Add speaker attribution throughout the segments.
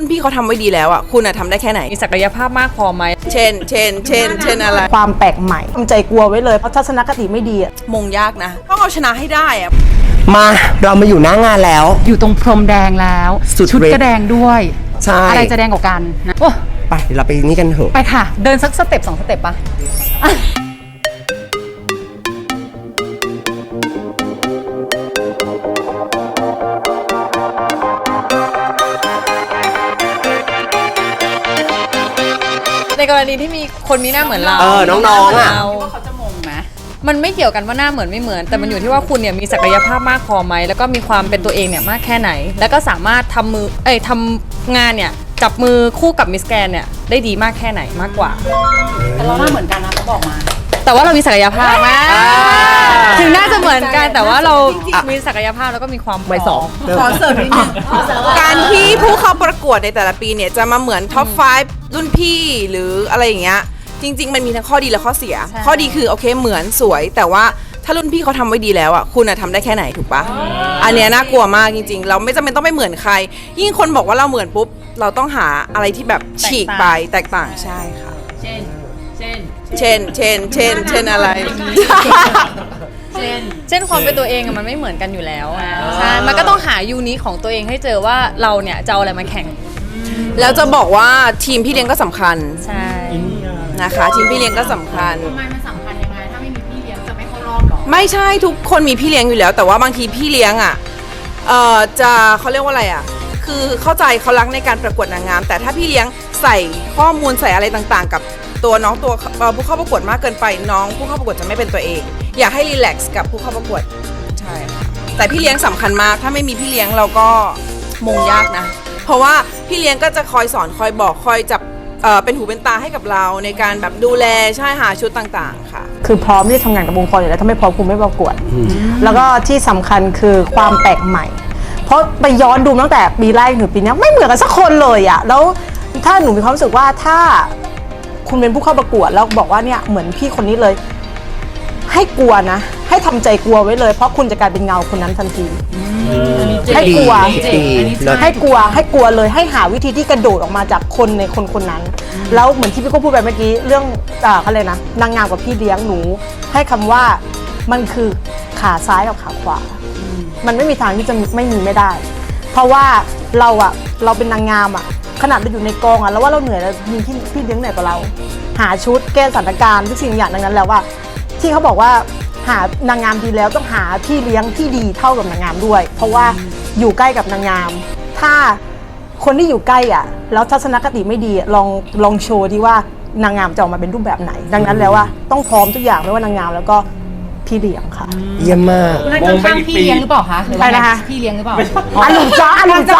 Speaker 1: พี่เขาทำไว้ดีแล้วอ่ะคุณทำได้แค่ไหน
Speaker 2: มีศักยภาพมากพอไหม
Speaker 1: เช่นอะไร
Speaker 3: ความแปลกใหม่ทำใจกลัวไว้เลยเพราะทัศนคติไม่ดีอะ
Speaker 1: มงยากนะต้องเอาชนะให้ได้อ่ะ
Speaker 4: มาเรามาอยู่หน้างานแล้ว
Speaker 5: อยู่ตรงพรมแดงแล้วชุดก็แดงด้วย
Speaker 4: ใช่
Speaker 5: อะไรจะแดงกว่ากันนะโอ้
Speaker 4: ไปเดี๋ยวเราไปนี่กันเถอะ
Speaker 5: ไปค่ะเดินสักสเต็ป2 สเต็ปปะ
Speaker 2: ในกรณีที่มีคนมีหน้าเหมือนเรา
Speaker 4: น้องๆอ่ะ
Speaker 5: ว่าเขาจะมงไหม
Speaker 2: มันไม่เกี่ยวกันว่าหน้าเหมือนไม่เหมือนแต่มันอยู่ที่ว่าคุณเนี่ยมีศักยภาพมากพอไหมแล้วก็มีความเป็นตัวเองเนี่ยมากแค่ไหนแล้วก็สามารถทำงานเนี่ยจับมือคู่กับมิสแกรนเนี่ยได้ดีมากแค่ไหนมากกว่า
Speaker 5: แต่เราหน้าเหมือนกันนะเขาบอกมา
Speaker 2: แต่ว่าเรามีศักยภาพถึงน่าจะเหมือนกันแต่ว่าเรามีศักยภาพแล้วก็มีความ
Speaker 4: ไม่สอง
Speaker 1: ขอเสริมนิดนึงการที่ผู้เข้าประกวดในแต่ละปีเนี่ยจะมาเหมือนท็อป 5 รุ่นพี่หรืออะไรอย่างเงี้ยจริงๆมันมีทั้งข้อดีและข้อเสียข้อดีคือโอเคเหมือนสวยแต่ว่าถ้ารุ่นพี่เขาทำไว้ดีแล้วอ่ะคุณทำได้แค่ไหนถูกปะอันเนี้ยน่ากลัวมากจริงๆเราไม่จำเป็นต้องไม่เหมือนใครยิ่งคนบอกว่าเราเหมือนปุ๊บเราต้องหาอะไรที่แบบฉีกไปแตกต่างใช่ค่ะเช่นอะไร
Speaker 2: เช่นความเป็นตัวเองมันไม่เหมือนกันอยู่แล้วใช่มันก็ต้องหายูนิคของตัวเองให้เจอว่าเราเนี่ยจะเอาอะไรมาแข่ง
Speaker 1: แล้วจะบอกว่าทีมพี่เลี้ยงก็สำคัญ
Speaker 2: ใช่
Speaker 1: นะคะทีมพี่เลี้ยงก็สำคัญ
Speaker 5: ทำไมมันสำคัญยังไงถ้าไม่มีพี่เลี้ยงจะไม่เข้ารอบหรอ
Speaker 1: ไม่ใช่ทุกคนมีพี่เลี้ยงอยู่แล้วแต่ว่าบางทีพี่เลี้ยงอ่ะจะเขาเรียกว่าอะไรอ่ะคือเข้าใจเขารักในการประกวดนางงามแต่ถ้าพี่เลี้ยงใส่ข้อมูลใส่อะไรต่างๆกับตัวน้องตัวผู้เข้าประกวดมากเกินไปน้องผู้เข้าประกวดจะไม่เป็นตัวเองอยากให้รีแลกซ์กับผู้เข้าประกวดใช่ค่ะแต่พี่เลี้ยงสำคัญมากถ้าไม่มีพี่เลี้ยงเราก็มงยากนะเพราะว่าพี่เลี้ยงก็จะคอยสอนคอยบอกคอยจับเป็นหูเป็นตาให้กับเราในการแบบดูแลใช่หาชุดต่างๆค่ะ
Speaker 3: คือพร้อมที่ทำงานกับองค์กรอยู่แล้วถ้าไม่พร้อมคุณไม่ประกวดแล้วก็ที่สำคัญคือความแปลกใหม่เพราะไปย้อนดูตั้งแต่ปีแรกถึงปีนี้ไม่เหมือนกันสักคนเลยอะแล้วถ้าหนูมีความรู้สึกว่าถ้าคุณเป็นผู้เข้าประกวดแล้วบอกว่าเนี่ยเหมือนพี่คนนี้เลยให้กลัวนะให้ทำใจกลัวไว้เลยเพราะคุณจะกลายเป็นเงาคนนั้นทันทีให้กลัวให้กลัวเลยให้หาวิธีที่กระโดดออกมาจากคนในคนนั้นแล้วเหมือนที่พี่ก็พูดไปเมื่อกี้เรื่องเขาเลยนะนางงามกับพี่เลี้ยงหนูให้คำว่ามันคือขาซ้ายกับขาขวามันไม่มีทางที่จะไม่ได้เพราะว่าเราเป็นนางงามอ่ะขนาดเราอยู่ในกองอ่ะแล้วว่าเราเหนื่อยแล้วมีพี่เลี้ยงเหนื่อยกว่าเราหาชุดแก้สถานการณ์ทุกสิ่งอย่างดังนั้นแล้วว่าที่เขาบอกว่าหานางงามดีแล้วต้องหาพี่เลี้ยงที่ดีเท่ากับนางงามด้วยเพราะว่าอยู่ใกล้กับนางงามถ้าคนที่อยู่ใกล้อ่ะแล้วทัศนคติไม่ดีลองโชว์ที่ว่านางงามจะออกมาเป็นรูปแบบไหนดังนั้นแล้วว่าต้องพร้อมทุกอย่างไม่ว่านางงามแล้วก็พี่เลี้ยงค่ะ
Speaker 4: เยี่ยมมาก
Speaker 5: นั่นก็ข้างพี่เลี้ยงหรือเปล่าคะหรือว่านะคะพี่เลี้ยงหรือเปล่า
Speaker 3: อลุมจ้า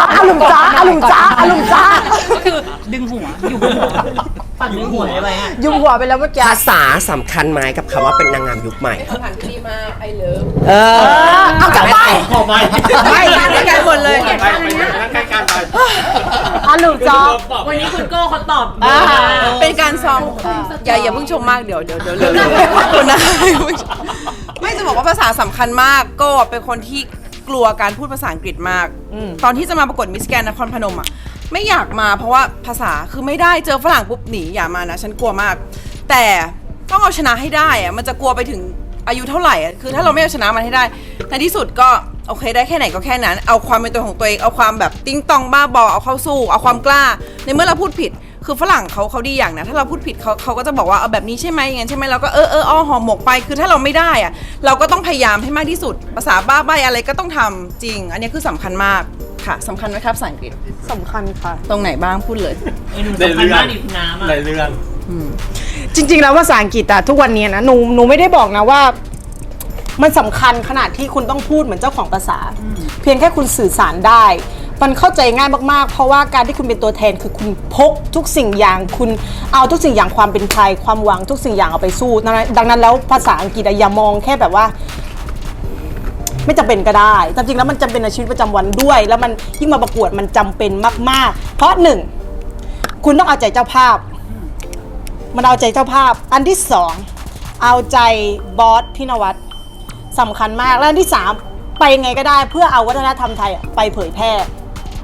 Speaker 5: ก็คือดึงหัวอยู่บนหัว
Speaker 3: ปั่นดึงหัวอะไรฮะยุ่งหัวไปแล้วเมื่อกี้
Speaker 4: ภาษาสำคัญไหมกับคำว่าเป็นนางงามยุคใหม่
Speaker 1: ผ่านคดีมาไอเลิฟ
Speaker 3: เอากลับไป
Speaker 1: ไม่กันหมดเลย
Speaker 6: ไปใกล้กันไป
Speaker 3: อลุมจ้า
Speaker 5: วันนี้คุณโก้เขาตอบ
Speaker 1: เป็นการซ้อมอย่าเพิ่งชมมากเดี๋ยวคุณนะไม่จะบอกว่าภาษาสำคัญมากก็เป็นคนที่กลัวการพูดภาษาอังกฤษมากตอนที่จะมาประกวดมิสแกรนด์นครพนมอ่ะไม่อยากมาเพราะว่าภาษาคือไม่ได้เจอฝรั่งปุ๊บหนีอย่ามานะฉันกลัวมากแต่ต้องเอาชนะให้ได้อ่ะมันจะกลัวไปถึงอายุเท่าไหร่อ่ะคือถ้าเราไม่เอาชนะมันให้ได้ในที่สุดก็โอเคได้แค่ไหนก็แค่นั้นเอาความเป็นตัวของตัวเองเอาความแบบติ้งตองบ้าบอเอาเข้าสู้เอาความกล้าในเมื่อเราพูดผิดคือฝรั่งเขาดีอย่างนะถ้าเราพูดผิดเขาก็จะบอกว่าเอาแบบนี้ใช่ไหมอย่างนั้นใช่ไหมเราก็ห่อหมกไปคือถ้าเราไม่ได้อะเราก็ต้องพยายามให้มากที่สุดภาษาบ้าใบอะไรก็ต้องทำจริงอันนี้คือสำคัญมากค่ะสำคัญไหมครับภาษาอังกฤษ
Speaker 3: สำคัญค่ะ
Speaker 1: ตรงไหนบ้างพูดเลย
Speaker 6: ในเรื่อง
Speaker 3: จริงๆแล้วภาษาอังกฤษอะทุกวันนี้นะหนูไม่ได้บอกนะว่ามันสำคัญขนาดที่คุณต้องพูดเหมือนเจ้าของภาษาเพียงแค่คุณสื่อสารได้มันเข้าใจง่ายมากๆเพราะว่าการที่คุณเป็นตัวแทนคือคุณพกทุกสิ่งอย่างคุณเอาทุกสิ่งอย่างความเป็นไทยความหวังทุกสิ่งอย่างเอาไปสู้ดังนั้นแล้วภาษาอังกฤษอย่ามองแค่แบบว่าไม่จำเป็นก็ได้จริงๆแล้วมันจำเป็นในชีวิตประจำวันด้วยแล้วมันยิ่งมาประกวดมันจำเป็นมากๆเพราะหนึ่งคุณต้องเอาใจเจ้าภาพมันเอาใจเจ้าภาพอันที่สองเอาใจบอสพี่นวัดสำคัญมากและอันที่สามไปไงก็ได้เพื่อเอาวัฒนธรรมไทยไปเผยแพร่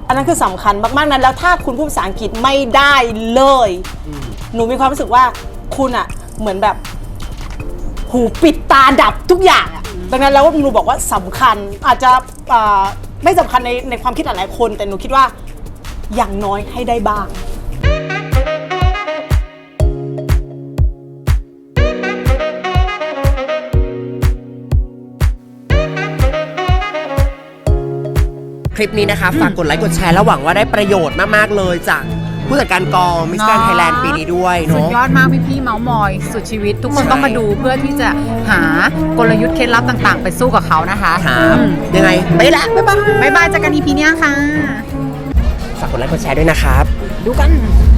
Speaker 3: อันนั้นคือสำคัญมากๆนั้นแล้วถ้าคุณพูดภาษาอังกฤษไม่ได้เลยหนูมีความรู้สึกว่าคุณอะเหมือนแบบหูปิดตาดับทุกอย่างอะดังนั้นแล้วหนูบอกว่าสำคัญอาจจะไม่สำคัญในความคิดหลายๆคนแต่หนูคิดว่าอย่างน้อยให้ได้บ้าง
Speaker 4: คลิปนี้นะคะฝากกดไลค์กดแชร์แล้วหวังว่าได้ประโยชน์มากๆเลยจากผู้จัดการกองมิสแกรนด์ไทยแลนด์ปีนี้ด้วย
Speaker 5: สุด
Speaker 4: เนาะ
Speaker 5: ยอดมากพี่ๆเมาส์มอยสุดชีวิต ทุกคนต้องมาดูเพื่อที่จะหากลยุทธ์เคล็ดลับต่างๆ ไปสู้กับเขานะคะ
Speaker 4: ครับยังไงไปละบ๊ายบาย
Speaker 5: บ๊ายบายเจอกัน EP เนี้ยค่ะ
Speaker 4: ฝากกดไลค์กดแชร์ด้วยนะครับ
Speaker 5: ดูกัน